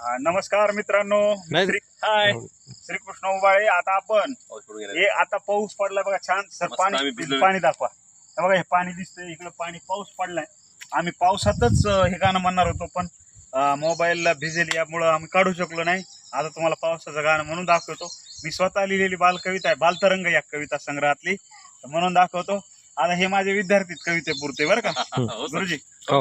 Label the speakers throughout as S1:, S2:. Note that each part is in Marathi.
S1: नमस्कार मित्रांनो, हाय श्रीकृष्ण उबाळे. आता आपण हे आता पाऊस पडलाय बघा, छान सर पाणी दाखवा. बघा हे पाणी दिसतंय इकडे, पाणी पाऊस पडलाय. आम्ही पावसातच हे गाणं म्हणणार होतो, पण मोबाईलला भिजेल यामुळं आम्ही काढू शकलो नाही. आता तुम्हाला पावसाचं गाणं म्हणून दाखवतो. मी स्वतः लिहिलेली बालकविता आहे, बालतरंग या कविता संग्रहातली, म्हणून दाखवतो. आता हे माझे विद्यार्थी कविते पुरते बरं का गुरुजी.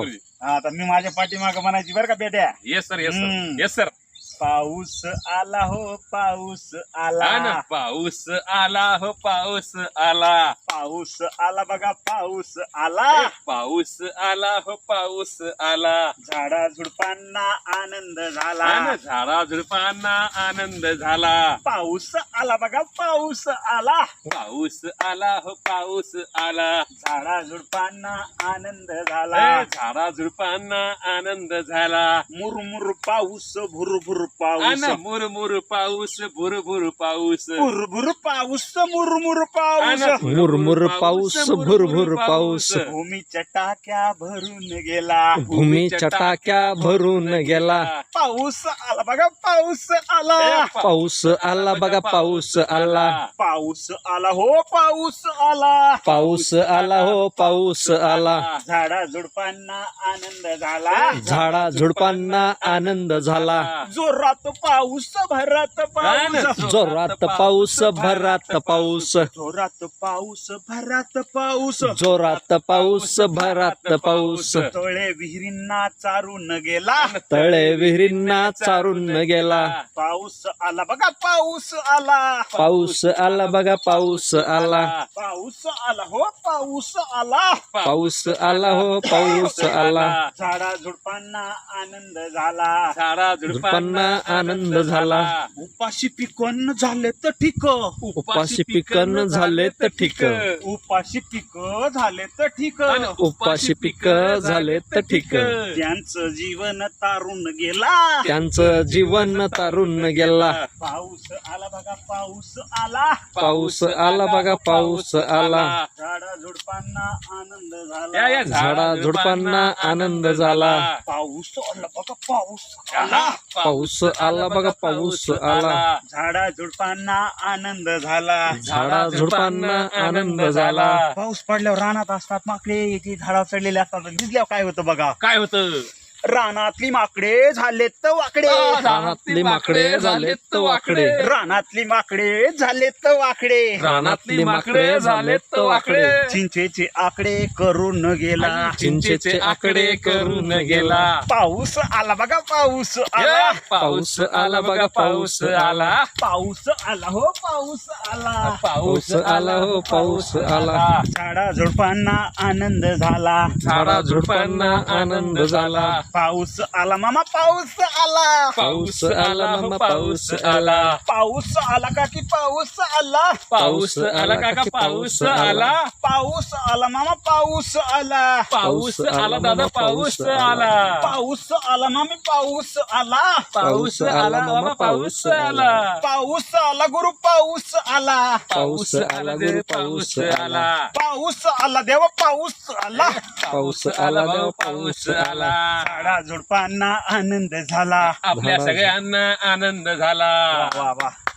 S1: आता मी माझ्या पाठीमाग म्हणायची बरं का बेट्या.
S2: Yes sir, yes sir, yes sir.
S1: पाऊस आला हो, पाऊस आला,
S2: पाऊस आला हो, पाऊस आला,
S1: पाऊस आला बघा, पाऊस आला,
S2: पाऊस आला हो, पाऊस आला.
S1: झाडा झुडपांना आनंद झाला,
S2: झाडा झुडपांना आनंद झाला.
S1: पाऊस आला बघा, पाऊस आला,
S2: पाऊस आला हो, पाऊस आला.
S1: झाडा झुडपांना आनंद झाला,
S2: झाडा झुडपांना आनंद झाला.
S1: मुरमुर पाऊस, भुरभुर पाऊस,
S2: मुरमुर पाऊस, भुरभुर पाऊस,
S1: भुरभुर पाऊस, मुरमुर पाऊस,
S3: मुरमुर पाऊस, भुरभुर पाऊस.
S1: भूमीच्या टाक्या भरून गेला,
S3: भूमीच्या टाक्या भरून गेला.
S1: पाऊस आला बघा, पाऊस आला,
S3: पाऊस आला बघा, पाऊस आला,
S1: पाऊस आला हो, पाऊस आला,
S3: पाऊस आला हो, पाऊस आला.
S1: झाडा झुडपांना आनंद झाला,
S3: झाडा झुडपांना आनंद झाला.
S1: जोरात पाऊस, भरात पाऊस,
S3: जोरात पाऊस, भरात पाऊस,
S1: जोरात पाऊस, भरात पाऊस,
S3: जोरात पाऊस, भरात पाऊस.
S1: तळे विहिरींना चारून गेला,
S3: तळे विहिरींना चारून गेला.
S1: पाऊस आला बघा, पाऊस आला,
S3: पाऊस आला बघा, पाऊस आला,
S1: पाऊस आला हो, पाऊस आला,
S3: पाऊस आला हो, पाऊस आला.
S1: झाडा झुडपांना आनंद झाला,
S2: झाडा
S3: झुडपांना आनंद झाला.
S1: उपाशी पिकन झाले तर ठीक,
S3: उपाशी पिकन झाले तर ठीक,
S1: उपाशी पिक झाले तर ठीक,
S3: उपाशी पिक झाले तर ठीक.
S1: त्यांचं जीवन तारून गेला,
S3: त्यांचं जीवन तारून गेला.
S1: पाऊस आला बघा, पाऊस आला,
S3: पाऊस आला बघा, पाऊस आला.
S1: झाडा झुडपांना आनंद झाला,
S3: झाडा झुडपांना आनंद झाला.
S1: पाऊस आला बघा, पाऊस आला,
S3: पाऊस आला बघा, पाऊस आला.
S1: झाडा झुडपांना आनंद झाला,
S3: झाडा झुडपांना आनंद झाला.
S1: पाऊस पडल्यावर रानात असतात माकडे, ती झाडावर चढलेले असतात. भिजल्यावर काय होतं बघा,
S2: काय होतं?
S1: रानातली माकडे झालेत तर वाकडे,
S3: रानातली माकडे झालेत तर वाकडे,
S1: रानातली माकडे झालेत तर वाकडे,
S2: रानातली माकडे झालेत तर वाकडे.
S1: चिंचेचे आकडे करून गेला,
S3: चिंचेचे आकडे करून गेला.
S1: पाऊस आला बघा, पाऊस आला,
S3: पाऊस आला बघा, पाऊस आला.
S1: पाऊस आला हो, पाऊस आला,
S3: पाऊस आला हो, पाऊस आला.
S1: झाडा झुडपांना आनंद झाला,
S3: झाडा झुडपांना आनंद झाला.
S1: पाऊस आला मामा, पाऊस आला,
S3: पाऊस आला मामा, पाऊस आला.
S1: पाऊस आला काकी, पाऊस आला,
S2: पाऊस आला काका, पाऊस आला.
S1: पाऊस आला मामा, पाऊस आला,
S2: पाऊस आला दादा, पाऊस आला.
S1: पाऊस आला मामी, पाऊस आला,
S2: पाऊस आला बाबा, पाऊस आला.
S1: पाऊस आला गुरु, पाऊस आला,
S2: पाऊस आला देव, पाऊस आला.
S1: पाऊस आला देव, पाऊस आला,
S3: पाऊस आला देव, पाऊस आला.
S1: झाडा झुडपांना आनंद झाला,
S2: आपल्या सगळ्यांना आनंद झाला.
S1: वा वा.